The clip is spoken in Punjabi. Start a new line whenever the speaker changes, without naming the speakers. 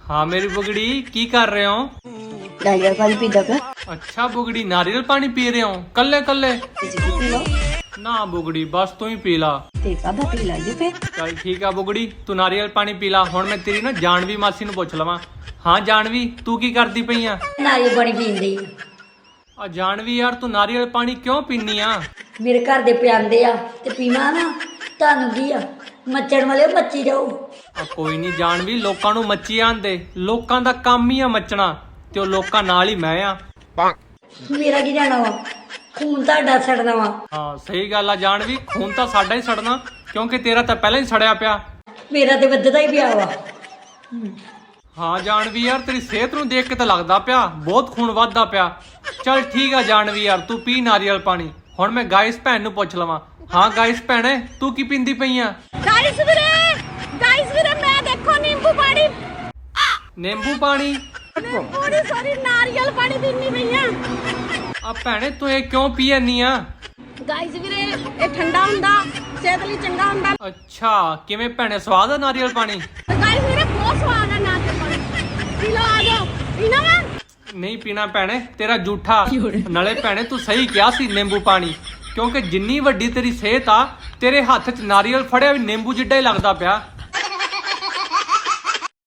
हाँ मेरी बुगड़ी की कर रहे हो?
नारियल पानी पीता पे
अच्छा बुगड़ी नारियल पानी पी रहे हो कल्ले कल्ले?
पी लो
ना बुगड़ी बस तू ही पी ला।
ठीक है पी ला जी पे
चल ठीक है बुगड़ी तू नारियल पानी पी ला। हुण मैं तेरी ना जानवी मासी नूं पुछ लवां। हाँ जानवी तू की करदी पई आ?
नारियल पानी पींदी
आ जानवी यार तू नारियल पानी क्यों पीनी आ?
ਮੇਰੇ ਘਰ ਦੇ ਪਿਆਂਦੇ ਆ ਤੇ ਪੀਵਾਂ ਨਾ ਤੁਹਾਨੂੰ ਕੀ ਆ ਮੱਚਣ ਵਾਲੇ ਮੱਚੀ ਜਾਓ
ਆ ਕੋਈ ਨਹੀਂ जानवी ਲੋਕਾਂ ਨੂੰ ਮੱਚੀ ਆਂਦੇ ਲੋਕਾਂ ਦਾ ਕੰਮ ਹੀ ਆ ਮੱਚਣਾ ਤੇ ਉਹ ਲੋਕਾਂ ਨਾਲ ਹੀ ਮੈਂ ਆ।
ਮੇਰਾ ਕੀ ਜਾਣਾ ਵਾ ਖੂਨ ਤੁਹਾਡਾ ਛੱਡਣਾ ਵਾ
ਹਾਂ ਸਹੀ ਗੱਲ ਆ जानवी ਖੂਨ ਤਾਂ ਸਾਡਾ ਹੀ ਸੜਨਾ ਕਿਉਂਕਿ ਤੇਰਾ ਤਾਂ ਪਹਿਲਾਂ ਹੀ ਸੜਿਆ ਪਿਆ।
ਮੇਰਾ ਤੇ ਵੱਧਦਾ ਹੀ ਪਿਆ ਵਾ
ਹਾਂ जानवी यार तेरी सेहत ਨੂੰ ਦੇਖ ਕੇ ਤਾਂ ਲੱਗਦਾ ਪਿਆ ਬਹੁਤ ਖੂਨ ਵੱਧਦਾ ਪਿਆ। ਚੱਲ ਠੀਕ ਆ जानवी यार ਤੂੰ ਪੀ ਨਾਰੀਅਲ ਪਾਣੀ। ਹੁਣ ਮੈਂ ਗਾਇਸ ਭੈਣ ਨੂੰ ਪੁੱਛ ਲਵਾਂ। ਹਾਂ ਗਾਇਸ ਭੈਣੇ ਤੂੰ ਕੀ ਪੀਂਦੀ ਪਈ ਆ?
ਗਾਇਸ ਵੀਰੇ ਮੈਂ ਦੇਖੋ ਨਿੰਬੂ ਪਾਣੀ
ਨਿੰਬੂ ਪਾਣੀ?
ਥੋੜੀ ਸਾਰੀ ਨਾਰੀਅਲ ਪਾਣੀ ਪੀਣੀ ਪਈ ਆ।
ਆ ਭੈਣੇ ਤੂੰ ਇਹ ਕਿਉਂ ਪੀ ਜਾਂਦੀ ਆ?
ਗਾਇਸ ਵੀਰੇ ਇਹ ਠੰਡਾ ਹੁੰਦਾ ਸਿਹਤ ਲਈ ਚੰਗਾ ਹੁੰਦਾ।
ਅੱਛਾ ਕਿਵੇਂ ਭੈਣੇ ਸਵਾਦ ਆ ਨਾਰੀਅਲ ਪਾਣੀ?
ਗਾਇਸ ਵੀਰੇ ਬਹੁਤ ਸਵਾਦ ਆ ਨਾਰੀਅਲ ਪਾਣੀ ਪੀ ਲਓ ਆ ਜਾਓ ਪੀਣਾ ਵਾ।
ਨਹੀਂ ਪੀਣਾ ਭੈਣੇ ਤੇਰਾ ਝੂਠਾ। ਨਾਲੇ ਭੈਣੇ ਤੂੰ ਸਹੀ ਕਿਹਾ ਸੀ ਨਿੰਬੂ ਪਾਣੀ ਕਿਉਂਕਿ ਜਿੰਨੀ ਵੱਡੀ ਤੇਰੀ ਸਿਹਤ ਆ ਤੇਰੇ ਹੱਥ 'ਚ ਨਾਰੀਅਲ ਫੜਿਆ ਵੀ ਨਿੰਬੂ ਜਿੱਡਾ ਹੀ ਲੱਗਦਾ ਪਿਆ।